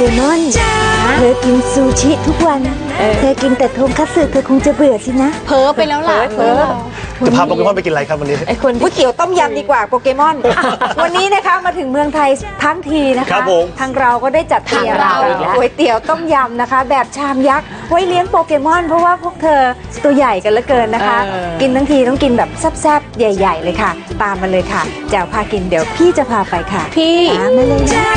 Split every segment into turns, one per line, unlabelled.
มอนเธอกินซูชิทุกวันเธอกินแต่ทงคัตสึเธอคงจะเบื่อสินะ
เพ้อไปแล้วล่ะ
จะพาโปเกมอนไปกินอะไรครับวันนี้
ก๋วยเตี๋ยวต้มยำดีกว่าโปเกมอนวันนี้นะคะมาถึงเมืองไทยทั้งทีนะคะทางเราก็ได้จัดเตรียมก๋วยเตี๋ยวต้มยำนะคะแบบชามยักษ์ไว้เลี้ยงโปเกมอนเพราะว่าพวกเธอตัวใหญ่กันเหลือเกินนะคะกินทั้งทีต้องกินแบบแซ่บๆใหญ่ๆเลยค่ะตามมาเลยค่ะแจ๋วพากินเดี๋ยวพี่จะพาไปค่ะ
พี่
ตามมาเลยนะ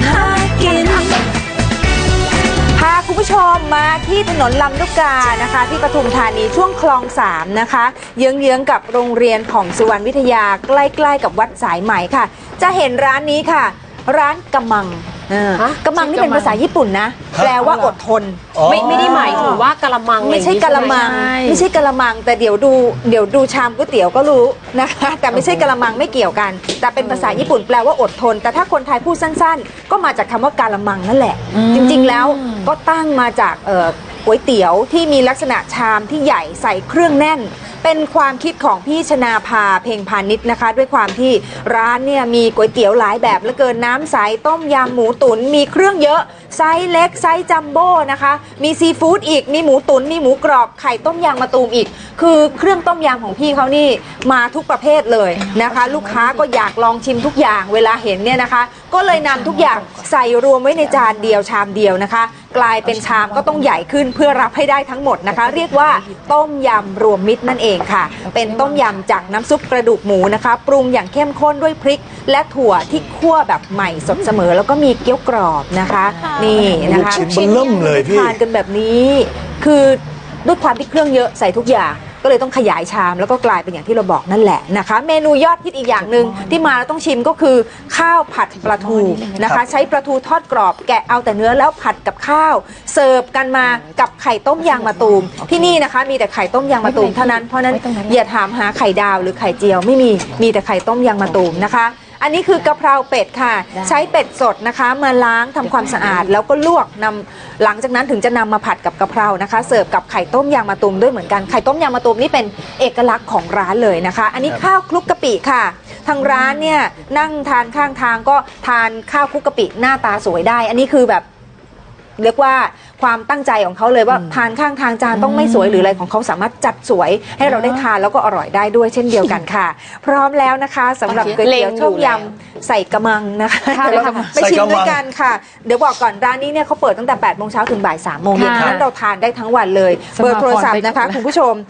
พาคุณผู้ชมมาที่ถนนลำลูกกานะคะที่ปทุมธานีช่วงคลอง3นะคะเยื้องๆกับโรงเรียนของสุวรรณวิทยาใกล้ๆกับวัดสายไหมค่ะจะเห็นร้านนี้ค่ะร้านกะมังกะมังนี่เป็นภาษาญี่ปุ่นนะแปลว่าอดทน
ไม่ได้หมายถึงว่ากะละมัง
ไม่ใช่กะละมังไม่ใช่กะละมังแต่เดี๋ยวดูชามก๋วยเตี๋ยวก็รู้นะคะแต่ไม่ใช่กะละมังไม่เกี่ยวกันแต่เป็นภาษาญี่ปุ่นแปลว่าอดทนแต่ถ้าคนไทยพูดสั้นๆก็มาจากคำว่ากะละมังนั่นแหละจริงๆแล้วก็ตั้งมาจากก๋วยเตี๋ยวที่มีลักษณะชามที่ใหญ่ใส่เครื่องแน่นเป็นความคิดของพี่ชนาภาเพ็งพาณิชย์นะคะด้วยความที่ร้านเนี่ยมีก๋วยเตี๋ยวหลายแบบเหลือเกินน้ำใสต้มยำหมูตุ๋นมีเครื่องเยอะไซส์เล็กไซส์จัมโบ้นะคะมีซีฟู้ดอีกมีหมูตุ๋นมีหมูกรอบไข่ต้มยำมะตูมอีกคือเครื่องต้มยำของพี่เขานี่มาทุกประเภทเลยนะคะลูกค้าก็อยากลองชิมทุกอย่างเวลาเห็นเนี่ยนะคะก็เลยนำทุกอย่างใส่รวมไว้ในจานเดียวชามเดียวนะคะกลายเป็นชามก็ต้องใหญ่ขึ้นเพื่อรับให้ได้ทั้งหมดนะคะเรียกว่าต้มยำรวมมิตรนั่นเองค่ะเป็นต้มยำจากน้ำซุปกระดูกหมูนะคะปรุงอย่างเข้มข้นด้วยพริกและถั่วที่คั่วแบบใหม่สดเสมอแล้วก็มีเกี๊ยวกรอบนะคะนี่นะคะ
ชิ้นเริ่มเลยพี่
ทานกันแบบนี้คือด้วยความที่เครื่องเยอะใส่ทุกอย่างก็เลยต้องขยายชามแล้วก็กลายเป็นอย่างที่เราบอกนั่นแหละนะคะเมนูยอดฮิตอีกอย่างหนึ่งที่มาแล้วต้องชิมก็คือข้าวผัดปลาทูนะคะใช้ปลาทูทอดกรอบแกะเอาแต่เนื้อแล้วผัดกับข้าวเสิร์ฟกันมากับไข่ต้มยางมะตูมที่นี่นะคะมีแต่ไข่ต้มยางมะตูมเท่านั้นเพราะนั้นอย่าถามหาไข่ดาวหรือไข่เจียวไม่มีแต่ไข่ต้มยางมะตูมนะคะอันนี้คือกะเพราเป็ดค่ะใช้เป็ดสดนะคะมาล้างทำความสะอาดแล้วก็ลวกหลังจากนั้นถึงจะนำมาผัดกับกะเพรานะคะเสิร์ฟกับไข่ต้มยางมะตูมด้วยเหมือนกันไข่ต้มยางมะตูมนี่เป็นเอกลักษณ์ของร้านเลยนะคะอันนี้ข้าวคลุกกะปิค่ะทางร้านเนี่ยนั่งทานข้างทางก็ทานข้าวคลุกกะปิหน้าตาสวยได้อันนี้คือแบบเรียกว่าความตั้งใจของเขาเลยว่าทานข้างทางจานต้องไม่สวยหรืออะไรของเขาสามารถจัดสวยให้เราได้ทานแล้วก็อร่อยได้ด้วยเช่นเดียวกันค่ะพร้อมแล้วนะคะสำหรับก๋วยเตี๋ยวต้มยำใส่กระมังนะคะไปชิมด้วยกันค่ะเดี๋ยวบอกก่อนร้านนี้เนี่ยเขาเปิดตั้งแต่8 โมงเช้าถึงบ่าย 3 โมงเย็นฉะนั้นเราทานได้ทั้งวันเลยเบอร์โทรศัพท์นะคะคุณผู้ชม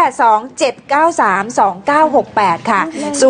0827932968ค่ะ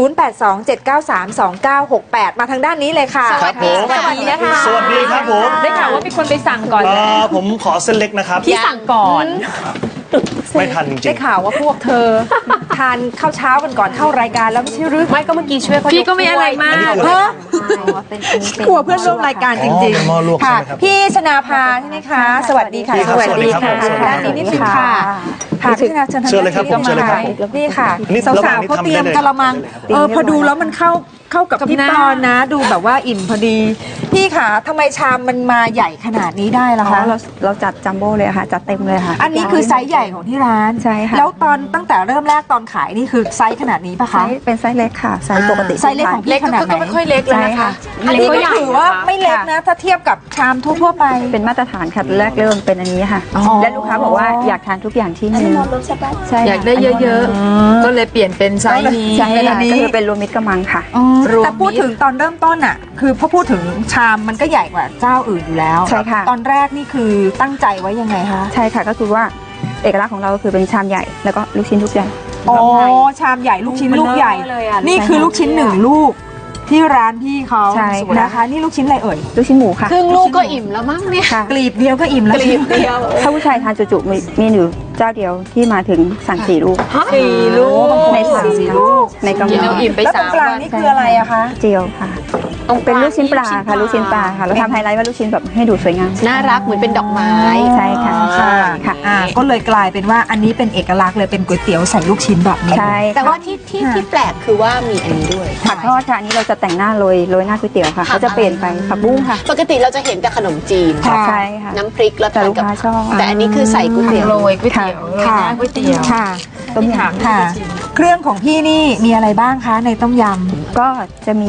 0827932968มาทางด้านนี้เลยค่ะ
ครับผม
สวัสดีนะคะ
สวัสดีครับผม
ได้ข่าวว่ามีคนไปสั่งก่อน
ผมขอเส้นเล็กนะครับ
พี่สั่งก่อน
ไม่ทันจริง
ได้ข่าวว่าพวกเธอทานข้าวเช้ากันก่อนเข้ารายการแล้วไม่ใช่หรือ
ไม่ก็เมื่อกี้ช่วยเขาพี่ก็ไม่อะไรมาก
กลัวเพื่อนร่วมรายการจริงๆค่ะพี่ชนาภาใช่ไหมคะสวัสดีค่ะ
สวัสดีค่ะ
ด้านนี้นิดนึงค่ะพี่ชนาเชิญเลยครับ
เชิญเลยครับ
นี่ค่ะสาวๆเขาเตรียมกะละมังพอดูแล้วมันเข้ากับพี่ปอนนะดูแบบว่าอิ่มพอดีพี่ค่ะทำไมชามมันมาใหญ่ขนาดนี้ได้ล่ะคะ
เราจัดจัมโบ้เลยค่ะจัดเต็มเลยค่ะ
อันนี้คือไซส์ใหญ่ของที่ร้าน
ใช่ค่ะ
แล้วตั้งแต่เริ่มแรกตอนขายนี่คือไซส์ขนาดนี้ปะคะ
เป็นไซส์เล็กค่ะไซส์ปกติ
ไซส์เล็กของพี่ขนาดไหน
ก็ไม่ค่อยเล็กเลยนะคะ
อันนี้ก็ถือว่าไม่เล็กนะถ้าเทียบกับชามทั่วไป
เป็นมาตรฐานค่ะแรกเริ่มเป็นอันนี้ค่ะและลูกค้าบอกว่าอยากทานทุกอย่างที่มี
อยากได้เยอะๆก็เลยเปลี่ยนเป็นไซส์นี้
ใช่ค่ะก็คือเป็นรวมมิตรกะมังค่ะ
แต่พูดถึงตอนเริ่มต้นอ่ะคือพอพูดถึงชามมันก็ใหญ่กว่าเจ้าอื่นอยู่แล้ว
ใช่ค่ะ
ตอนแรกนี่คือตั้งใจไว้ยังไงคะ
ใช่ค่ะก็คือว่าเอกลักษณ์ของเราคือเป็นชามใหญ่แล้วก็ลูกชิ้นทุกอย่าง
อ๋อชามใหญ่ลูกชิ้นลูกใหญ่นี่คือลูกชิ้น1 ลูกที่ร้านพี่เขานะคะนี่ลูกชิ้นอะไรเอ่ย
ลูกชิ้นหมูค่ะ
ครึ่งลูกก็อิ่มแล้วมั้งเนี่ย
กลีบเดียวก็อิ่มแล้ว
กลีบเดียว
ถ้าผู้ชายทานจุๆมีอยู่เจ้าเดียวที่มาถึงสั่ง4 ลูก
4 ลูก
ใน4 ลูกในกะมัง
แล้วตรงกลางนี่คืออะไรอะคะ
เจียวค่ะเป็นลูกชิ้นปลาค่ะลูกชิ้นปลาค่ะเราทำไฮไลท์ว่าลูกชิ้นแบบให้ดูสวยงาม
น่ารักเหมือนเป็นดอกไม้
ใช่ค่ะ
ค่ะก็เลยกลายเป็นว่าอันนี้เป็นเอกลักษณ์เลยเป็นก๋วยเตี๋ยวใส่ลูกชิ้นแบบนี้
ใช่
แต่ว่าที่แปลกคือว่ามีอันนี้ด้วย
ผักทอดค่ะอันนี้เราจะแต่งหน้าโรยหน้าก๋วยเตี๋ยวค่ะเขาจะเปลี่ยนไปผักบุ้งค่ะ
ปกติเราจะเห็นแต่ขนมจีน
ใช่ค่ะ
น้ำพริกแล้ว
แต่ลูกค้าชอบ
แต่อันนี้คือใส่ก๋วยเตี๋ยว
โรยก๋วยเตี๋ยวค่ะก๋วยเตี๋ยวค่ะต้มยำค่ะเครื่องของพี่นี่มีอะไรบ้างคะในต้มย
ำก็จะมี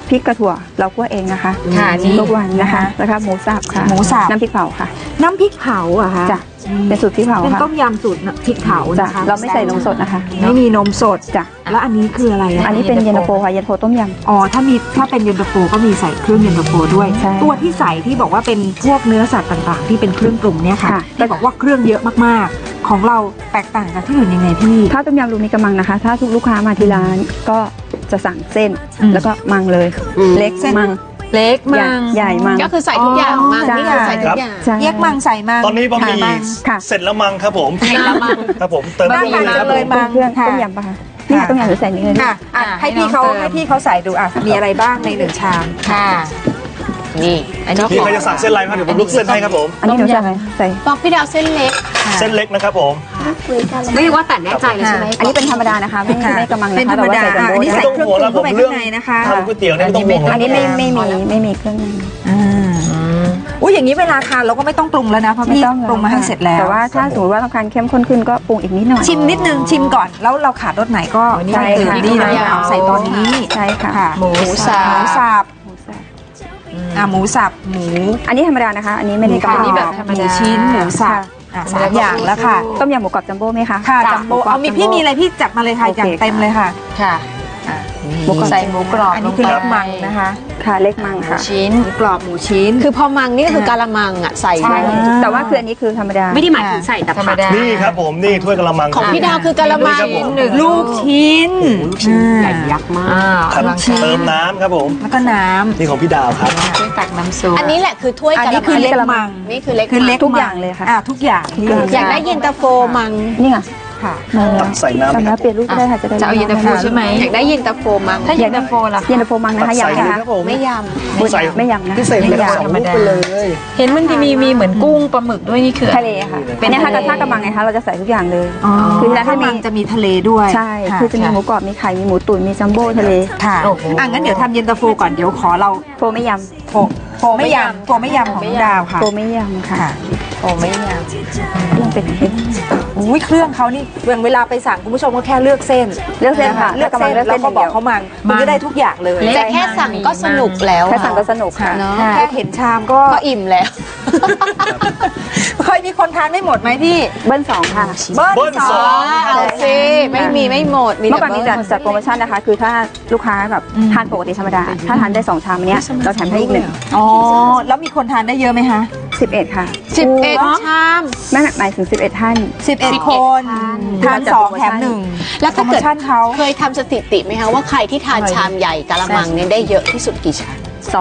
พริกกระถั่วเราคั่วเองนะคะ
ค่ะนี่
ทุกวันนะคะแล้วก็หมูสับค่ะ
หมูสับ
น้ำพริกเผาค่ะ
น้ำพริกเผาอะคะ
จ้ะเป็นสูตรพริกเผา
เป็น
ค่ะ
ต้มยำสูตรพริกเผา
จ้ะ
นะคะ
เราไม่ใส่นมสดนะคะ
ไม่มีนมสด
จ้ะ
แล้วอันนี้คืออะไระ
อันนี้เป็นเย็นตาโฟค่ะเย็นตาโฟต้มยำ
อ๋อถ้าเป็นเย็นตาโฟก็มีใส่เครื่องเย็นตาโฟด้วย
ใช่
ตัวที่ใส่ที่บอกว่าเป็นพวกเนื้อสัตว์ต่างๆ ที่เป็นเครื่องปรุงเนี่ยค่ะ
ค่ะ
ที่บอกว่าเครื่องเยอะมากๆ ของเราแตกต่างจากที่อื่นยังไงพี่
ข้าวต้มยำรูมีกำมังนะคะ ถ้าทุกลูกค้ามาที่ร้านก็จะสั่งเส้น
อืม
แล้วก็มังเลย เล็ก
เส้น
มัง
เล็ก
ใหญ่
มัง
ใหญ่มัง
ก็คือใส่ทุกอย่างมัง
ใช่
นี่คือใส่ทุกอย่าง
ใช่
แยกมังใส่มัง
ตอนนี้บะหมี่
มัง
ค่ะ
เสร็จแล้วมั้งครับผม
ใส่ละมัง
ครับผมเติม
น่าทานจังเลยมัง
เครื่อง
ค่ะ
ต้มยำปะคะนี่ค่ะต้มยำหรือใส่นี่เลย
ค่ะอ่ะให้พี่เขาใส่ดูอ่ะมีอะไรบ้างในหนึ่งชาม
ค่ะ นี่อันนี้
พี่ใครจะสั่งเส้นอะไรครับเดี๋ยวผมลุกเส้นให้ครับผม
อันนี้หนูใส่อะไรใส่
บอกพี่ดาวเส้นเล็ก
เส้นเล็กนะครับผม
ไม่ว่าแต่แน่ใจเลยใช่ไหม
อันนี้เป็นธรรมดานะคะ ไม่กำมัง
เป็น
นะ
ธร
คะ
รม
แต่ว่า
ดา
ใส่จัมโบ้
อันนี้
ได้
ใส่เครื่องปรุงเข้าไปข้างในนะคะ
ทำก๋วยเตี๋ยวเนี่ยไม่ต้องห่วง
อันนี้ไม่มีเครื่องใน
อุ้ยอย่างนี้เวลาทานเราก็ไม่ต้องปรุงแล้วนะเพราะพี่
ไม่ต้อง
ปรุงมาให้เสร็จแล้ว
แต่ว่าถ้าสมมติว่าต้องการเข้มข้นขึ้นก็ปรุงอีกนิดหน่อย
ชิมนิดนึงชิมก่อนแล้วเราขาดรสไหนก็
ใช่
เติม
ค่ะ
นี่นะเอาใส่ตอนนี้
ใช่ค่ะ
ค่ะ
หมูสับ
หมูสับ
หมูสับ
หมูสับหมู
อันนี้ธรรมดานะคะ อันนี้ไม่ได้กำมัง
อันนี้แบบธรรมดา
หมูชิ้นหมูสับสามอย่างแล้วค่ะ
ต้มยำหมูกรอบจัมโบ้ไหมคะ
ค่ะจัมโบ้เอามีพี่มีอะไรพี่จัดมาเลยค่ะ
โอเค
อย่างเต็มเลยค่ะ
ค่ะ
หมูกรอบ
ใส่หมูกรอบ
อันนี้คือเล็กมังนะคะ
ค่ะเล็กมังค่ะ
ชิ้น
หมูกรอบหมูชิ้น
คือพอมังนี่ก็คือกะละมังอ่ะใส่
ใช่
ด้วย
แต่ว่าคืออันนี้คือธรรมดา
ไม่ได้หมายถึงใส่แต่
ธรรม
ผัก
ดา
นี่ครับผมนี่ถ้วยกะละมัง
ของพี่ดาวคือกะละมัง
ครับผม
ลูกชิ้น
ลูกชิ้น
ใหญ่ยักษ์มาก
ครับเติมน้ำครับผม
แล้วก็น้ำ
นี่ของพี่ดาวครับ
ช่วยตักน้ำซุป
อันนี้แหละคือถ้วย
อัน
กะ
นี้
ละ
คือ
มัง
เล็กมัง
นี่คือเล็ก
คือเล็ก
ทุกอย่างเลยค่ะ
ทุกอย่างที่
อยากได้เย็นตาโฟมัง
นี่ไง
ค่ะ
ตักใส่น้ำ
จำแล้วเปลี่ยนรูปก็ได้ค่ะจะได้
จะเอาเย็นตาโฟใช่ไหม
อยากได้เย็นตาโฟมัง
ถ้าเย็นตาโฟล่ะ
เย็นตาโฟมังนะคะ
ตักใส่
ยำ
เลย
นะคะ
ครับผม
ไม่ย
ใส่
ไม่ยำนะ
พิเศษเลยสองลูกไปเลย
เห็นมันจะมีเหมือนกุ้งปลาหมึกด้วยนี่คือ
ทะเลค่ะเป็นเนี่ยค่ะกระทะกระมังไงคะเราจะใส่ทุกอย่างเลย
อ๋อ
คือที่ร้าน
ถ้า
จะมี
มันจะมีทะเลด้วย
ใช่
ะ
คือจะมีหมูกรอบมีไข่มีหมูตุ๋นมีจัมโบ้ทะเล
ค่ะ
โอ้โห
งั้นเดี๋ยวทำเย็นตาโฟก่อนเดี๋ยวขอเรา
โฟไม่ย
โฟไม่ยำของดาว
ำ
ค่ะ
โฟไม่ยำค่ะ
ค่ะ
โอ้ไม่ยาก
เรื่องเป็นเห็ด
อุ้ยเครื่องเขานี่อย่างเวลาไปสั่งคุณผู้ชมก็แค่เลือกเส้น
เลือกเส้นค่ะ
เลือก
กำลั
เส้
ง
น
เลือก
แล้
เส้
วน ก็บอกเขามันคุณก็ได้ทุกอย่างเลย
ำแต่แค่สั่งก็สนุกแล้ว
แค่สั่งก็สนุกค่ะ
เนาะ
แค่เห็นชามก็
ก็อิ่มแล้ว
เคยมีคนทานไม่หมดไหมพี่
เบิ้ลสองค่ะ
เบิ้ลสอง
เอาสิไม่หมดมี
เมื่
แต่
อก่อนนี้
เบิ้ล
จัดโปรโมชั่นนะคะ คือถ้าลูกค้าแบบทานปกติธรรมดา ถ้าทานได้2ชามอันเนี้ยเราแถมให้อีก1
อ๋อแล้วมีคนทานได้เยอะไหมคะ
11ค่ะ
11ชาม
ไม่หมายถึง11ท่าน
11 คนทาน2แถม1
แล้ว
โปร
ถ้า
โม
เกิด
ชั่นเขา
เคยทำสถิติไหมคะว่าใครที่ทานชามใหญ่กะละมังเนี่ยได้เยอะที่สุดกี่ชาม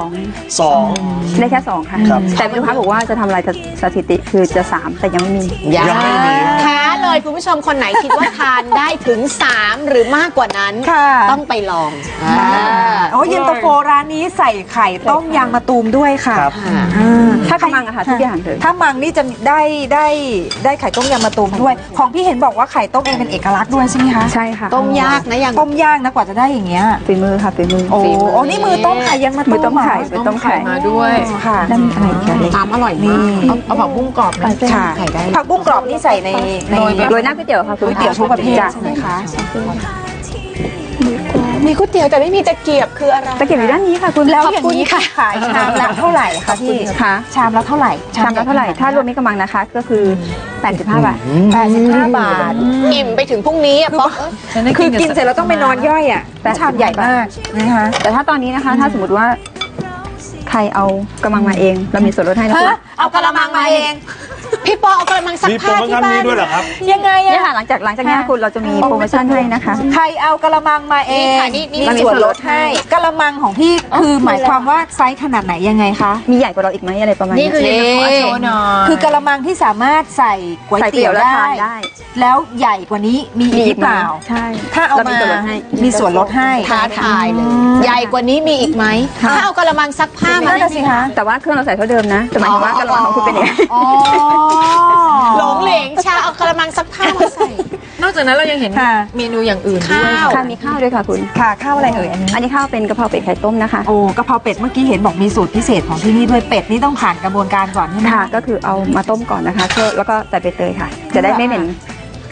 2
สอง
ได้แค่2ค่ะ
ครับ
แต่มีลูกค้าบอกว่าจะทำอะไรสถิติคือจะ3แต่ยังไม่มี
ยังไม่มี
ท้าเลยคุณผู้ชมคนไหนคิดว่าทานได้ถึง 3 หรือมากกว่านั้น
ค่ะ
ต้องไปลอง
โอ้เย็นตาโฟร้านนี้ใส่ไข่ต้มยางมะตูมด้วยค่ะ
ครับ
ถ้ากำลังอะค่ะทุกอย่างเลย
ถ้ามังนี่จะได้ไข่ต้มยางมะตูมด้วย ของพี่เห็นบอกว่าไข่ต้มเองเป็นเอกลักษณ์ด้วยใช่ไหมคะ
ใช่ค่ะ
ต้มยากนะอย่าง
ต้มย่างนะกว่าจะได้อย่างเงี้ย
ฝีมือค่ะฝีมือ
โอ้โอ้นี่มือต้มไข่ยังมาต้ม
มือต้มไข่
เหรอ
มือต้มไข่
มาด้วย
ค่ะ
แล้วมีอะไรอีกอะเล็ก
ตามอร่อย
นี่
มาก
เอาผักบุ้งกรอบไหม
ค่ะ
ไข่ได้
ผักบุ้งกรอบนี่ใส่ใน
โรยหน้าก๋วยเตี๋ยวค่ะคุณ
ก๋วยเตี๋ยวทุกประเภท
จ้
ใช่ไหมคะ
มีก๋วยเตี๋ยวแต่ไม่มีตะเกียบคืออะไร
ตะเกียบอยู่ด้านนี้ค่ะคุณ
แล้ว
ขอบ
อย่าง
คุณ
นี้
ค่ะ
ขายชามละเท่าไหร่คะพี่
ค่ะ
ชามละเท่าไหร่
ชามละเท่าไหร่ ถ้ารวมมิตรกำลังนะคะ ก็คือ85 บาท
85 บาท
อิ่มไปถึงพรุ่งนี้อะป๊อก
คือกินเสร็จแล้วต้องไปนอนย่อยอ่ะชามใหญ่มากนะคะ
แต่ถ้าตอนนี้นะคะ ถ้าสมมติว่าใครเอากำลังมาเอง เรามีส่วนลดให้นะคุณ
เอากระมังมาเอง
พี่ปอเอากระมังซัก
มีโปร
ผ้า
โม
ที่
ชั่น
บ้า
นี้
น
ด้วยเหรอครับ
ยังไง
เนี่ย
อะ
ค่ะหลังจากนี้คุณเราจะมีโปรโมชั่นให้นะคะ
ใครเอากระมังมาเอง
นี่ค่ะนี่
มีส่วนลดให้กระมังของพี่คือหมายความว่าไซส์ขนาดไหนยังไงคะ
มีใหญ่กว่าเราอีกไหมอะไรประมาณ
นี่
นี้
คือเย็นตาโฟโชว์หน่อย
คือกระมังที่สามารถใส่ก๋วย
ใส่เตี๋
เตี๋
ย
ยว ว
แล้ว
ได้
ทานได้
แล้วใหญ่กว่านี้มีอีกหรือเปล่า
ใช่
ถ้าเอา
เรา
มา
มีส่วนลดให้
มีส่วนลดให้
ท้าทายเลย ใหญ่กว่านี้มีอีกไหมถ้าเอากระมังซักผ้ามา
นั่นน่ะสิคะ
แต่ว่าเครื่องเราใส่เท่าเดิมนะแต่หมายถึงว่ากระมังของคุณเป็นยังไง
อ๋อ
หลงเหลงชาเอากระมังซักผ้ามาใส่
นอกจากนั้นเรายังเห็น
ค่ะ
เมนูอย่างอื่นด้วย
ข้าว
ค่ะมีข้าวด้วยค่ะคุณ
ค่ะข้าวอะไรเอ่ยอันนี้
อันนี้ข้าวเป็นกะเพราเป็ดไข่ต้มนะคะ
โอ้กะเพราเป็ดเมื่อกี้เห็นบอกมีสูตรพิเศษของที่นี่ด้วยเป็ดนี่ต้องผ่านกระบวนการก่อนใช่ไหม
ค่ะ ก็คือเอามาต้มก่อนนะคะแล้วก็ใส่ใบเตยค่ะ จะได้ไม่เหม็น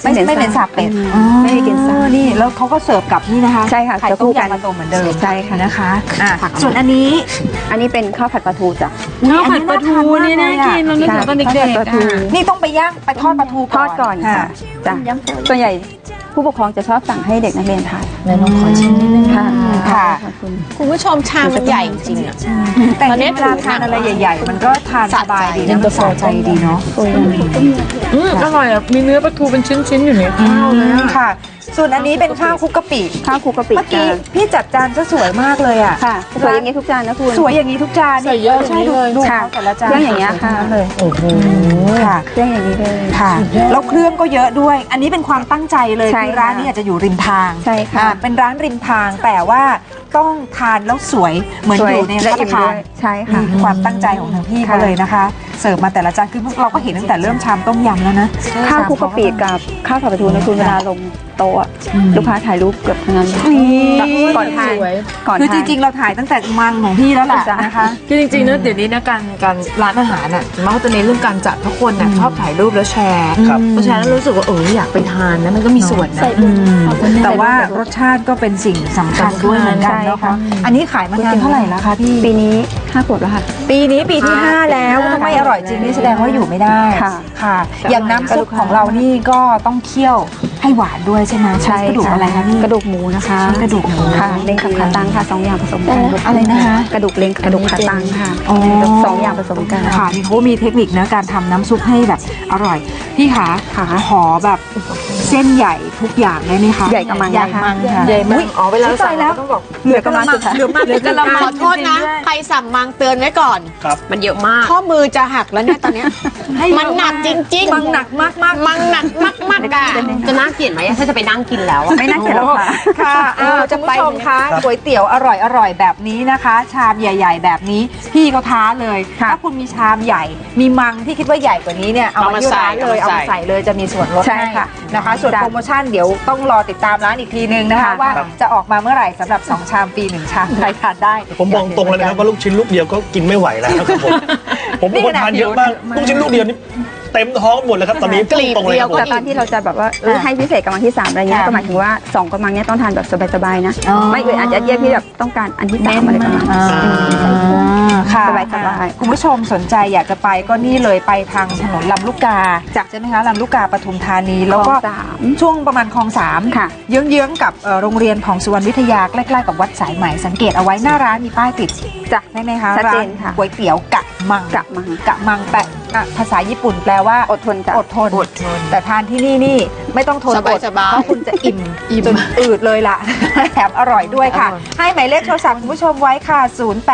ไม่เหม็นสาบเป็ด
ไม่มีกลิ่นสาบ
นี่แล้วเขาก็เสิร์ฟกับนี่นะคะ
ใช่ค่ะ
ไข่
จะ
ต้
คู่
ม
กัน
ยำมะตูมเหมือนเดิม
ใช่ค่ะ
นะคะส่วนอันนี้
อันนี้เป็นข้าวผัดปลาทูจ้ะ
ข้าวผัดปลาทูนี่น่ากินเรานึกถึงตอนเด็ก
ข้าวผัดปลาทู
ๆ
นี่ต้องไปย่างไปทอดปลาทู
ทอดก่อนค่ะจ้ะส่วนใหญ่ผู้ปกครองจะชอบสั่งให้เด็กนักเรียนทาน
แม่ลองขอชิมนิดนึง
ค่ะ
ค่ะ
ขอบคุณ
คุณผู้ชมชามมันใหญ่จริงๆอะ
แต่
ตอนนี้
เวลาทานอะไรใหญ่ๆ มันก็ทานสบายดีนะมันสะใจดีเนาะ
อร่อยอ่ะมีเนื้อปลาทูเป็นชิ้นๆอยู่ในข้าวเลยอะ
ค่ะ ส่วนอันนี้เป็นข้าวคลุกกะปิ
ข้าวคลุกกะปิ
เมื่อกี้
จ้ะ
พี่จัดจานซะสวยมากเลยอ่ะ
ค่ะสวยอย่างนี้ทุกจานนะคุณ
สวยอย่างนี้ทุกจาน
ใส่เยอะ
ใช่ดู
อย่างนี้เลย
ดู
ค่ะ
เขาแต่ละจาน
เครื่องอย่างเงี้ยค่ะ
สวทั้นั้นเลย
โอ้โห
ค่ะ
เครื่องอย่างนี้เลย
ค่ะแล้วเครื่องก็เยอะด้วย อันนี้เป็นความตั้งใจเลย
ใช่
คือ
ค่ะ
ร้านนี้อาจจะอยู่ริมทาง
ใช่ค่ะ
เป็นร้านริมทางแต่ว่าต้องทานแล้วสวยเหมือน
สว
อยู่ใน
และ
ร้าน
อิ่ม
ทา
ด้
น
วยใช่ค่ะ
นี่คือความตั้งใจของทางพี่เขา
ค่ะ
เลยนะคะ เสิร์ฟมาแต่ละจานคือเราก็เห็นตั้งแต่เริ่มชามต้มยำแล้วนะ
ข้าวคลุกกะปิกับข้าวผัดปลาทูนะคุณเวลาลงโต๊ะลูกค้าถ่ายรูปเกือบทั้งนั้นเลยก่อนทาน
สวย
ก่อน
คือ
ทา
จ
น
ริงๆ เราถ่ายตั้งแต่มังของพี่แล้วแหละ
จ้ะ
นะคะ
คือจริงๆนะเดี๋ยวนี้นะการร้านอาหารน่ะส่วนมากเขาจะเน้นเรื่องการจัดเพราะคนน่ะชอบถ่ายรูปแล้วแชร์
ครับ
พอแชร์แล้วรู้สึกว่าอยากไปทานนะมันก็มีส่วนนะ
แต่ว่ารสชาติก็เป็นสิ่งสำคัญด้วยเหมือนกันนะคะ อันนี้ขายมานานเท่าไหร่แล้วคะพี่
ปีนี้5 ขวบแล้วค่ะ
ปีนี้ปีที่ 5 แล้วถ้าไม่อร่อยจริงนี่แสดงว่าอยู่ไม่ได้
ค่ะ
ค่ะ อย่างน้ำซุปของเรานี่ก็ต้องเคี่ยวให้หวานด้วยใช่ไหม
ใช่
กระดูกอะไรคะพี่
กระดูกหมูนะคะ
กระดูกหมู
ค่ะเล้งกับขาตั้งค่ะ2 อย่างผสมกัน
อะไรนะคะ
กระดูกเล้งกับกระดูกขาตั้งค่ะ
อ๋อ
2 อย่างผสมกัน
ค่ะนี่เขามีเทคนิคนะการทำน้ำซุปให้แบบอร่อย พี่ขา
ค่ะ
ขอแบบเส้นใหญ่ทุกอย่างได้ไหมคะ
ใหญ่กะมัง
ใหญ่
นะคะ
มังค่ะ
ใหญ่มากอ๋อเวลา
อุ๊ย
สั่ง
ตายแล้ว
เราต้องบอก
เหลือกระมังสุดท้าย
เหลือกระมัง
ขอโทษนะ ใครสั่งมังเตือนไว้ก่อน
ครับ
มันเยอะมาก
ข้อมือจะหักแล้วเนี่ยตอนเนี้ย
ให้
มันหนักจริงๆ
มังหนักมากมาก
มังหนักมากๆอ่ะ
จะน่าเกลียดไหมถ้าจะไปนั่งกินแล้ว
ไม่น่าเกลียดหรอกค่ะ
ค่ะจะไปชมคะก๋วยเตี๋ยวอร่อยแบบนี้นะคะ ชามใหญ่ ๆ แบบนี้พี่เขาท้าเลย
ค่ะ
ถ้าคุณมีชามใหญ่ มีมังที่คิดว่าใหญ่กว่านี้เนี่ยเอามาที่ร้านเลยเอามาใส่เลยจะมีส่วนลด
ใช่
ให้
ค่ะ
นะคะ ส่วนโปรโมชั่นเดี๋ยวต้องรอติดตามร้านอีกทีนึงนะคะ
ค่ะ
ว่าจะออกมาเมื่อไหร่สำหรับ2ชามฟรี1ชามใครทานได้
ผมบอกตรงเลยนะครับว่าลูกชิ้นลูกเดียวก็กินไม่ไหวแล้วครับผมเป็นคนทานเยอะมากลูกชิ้นลูกเดียวนี่เต็มท้องหมดเลยครับตอนนี้
กลีบ
ตรงเลยครับ
เดียวก็
ผม
แต่ตอนที่เราจะแบบว่าให้พิเศษกำลังที่ 3อะไรเงี้ย
ค่ะ
ก็หมายถึงว่า2กำลังเนี้ยต้องทานแบบสบายๆนะ
อ๋อ
ไม่อื่นอาจจะเยียดที่แบบต้องการอันที่3อะไรประมาณนั้น
ค่ะ
สบายๆ
คุณผู้ชมสนใจอยากจะไปก็นี่เลยไปทางถนนลำลูกกาใช่ไหมคะลำลูกกาปทุมธานีแล้วก็
คลองสาม
ช่วงประมาณคลอง3
ค่ะ
เยื้องๆกับโรงเรียนของสุวรรณวิทยาใกล้ๆกับวัดสายไหมสังเกตเอาไว้หน้าร้านมีป้ายติด
จ้ะ
ได้ไหมคะ
ชัดเจ
ร้าน
ค่ะ
ก๋วยเตี๋ยวกะมัง
กะมัง
กะมังแปลภาษาญี่ปุ่นแปลว่า
อดทนจ้ะ
อดทนแต่ทานที่นี่ไม่ต้องทนอด
สบายๆ
เพราะคุณจะอิ่มจนอืดเลยล่ะ แถมอร่อยด้วยค่ะ ให้หมายเลขโทรศัพท์คุณผู้ชมไว้ค่ะ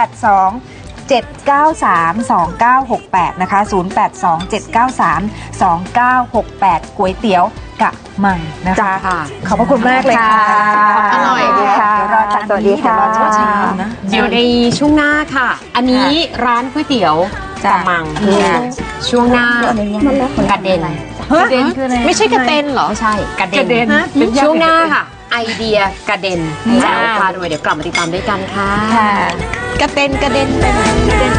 082-793-2968 นะคะ 082-793-2968 ก๋วยเตี๋ยวกะมังนะคะ ขอบพระคุณมากเลยค่ะ
อร่อย
ค่ะ
เดี๋ยวรอจาน
สวัสดี
นี้เดี๋ยว
ค่ะ
รอจานชิมนะ
เดี๋ยวในช่วงหน้าค่ะ อันนี้ร้านก๋วยเตี๋ยว
จ้ะ
กะมังช่วงหน้ากระเด็น
กระเด็นคืออะไร
ไม่ใช่กระเตนเหรอ
ไม่ใช่กระเด็น
กระเด็น
ช่วงหน้าค่ะ ไอเดียกระเด็นแจ๋วพาด้วยเดี๋ยวกลับมาติดตามด้วยกันค่ะ
ค่ะ
กระเตนกระเด็นไปไหน